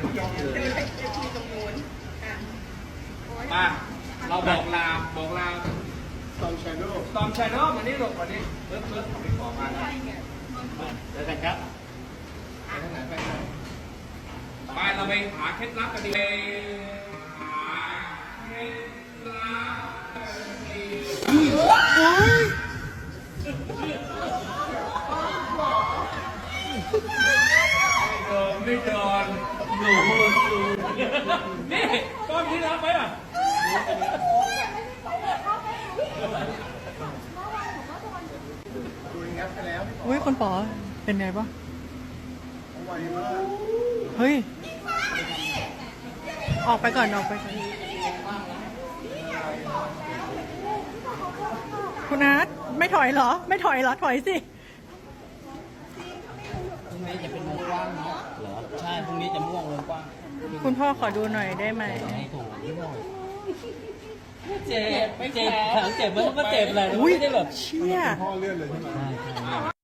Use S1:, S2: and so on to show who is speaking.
S1: มาเราบอกลาตอมชาโดว์มานี่หลบมานี่เลิกของพี่ขอมาเดี๋ยวกันครับไปเราไปหาเคล็ดลับกันดีหาเคล็ดลับไม่โดนหนูนี่ก้อนที่รับไปอ่ะ
S2: อุ้ยคนป๋อเป็นไงปะเฮ้ย ออกไปก่อนคุณอาร์ตไม่ถอยเหรอ ไม่ถอยเหรอ ถอยสิ
S3: พรุ่งนี้จะเป็นวงกว้างเนาะเหรอใช่พรุ่งนี้จะม่วงวงกว้าง
S2: คุณพ่อขอดูหน่อยได้ไหม
S3: ให้ถูกไม่หน่อยเจ็บมันก็เจ็บแหละไม่ได้แบบ
S2: เชี่ย
S4: พ่อเลื่อนเลยใช่ไหม
S3: ใช่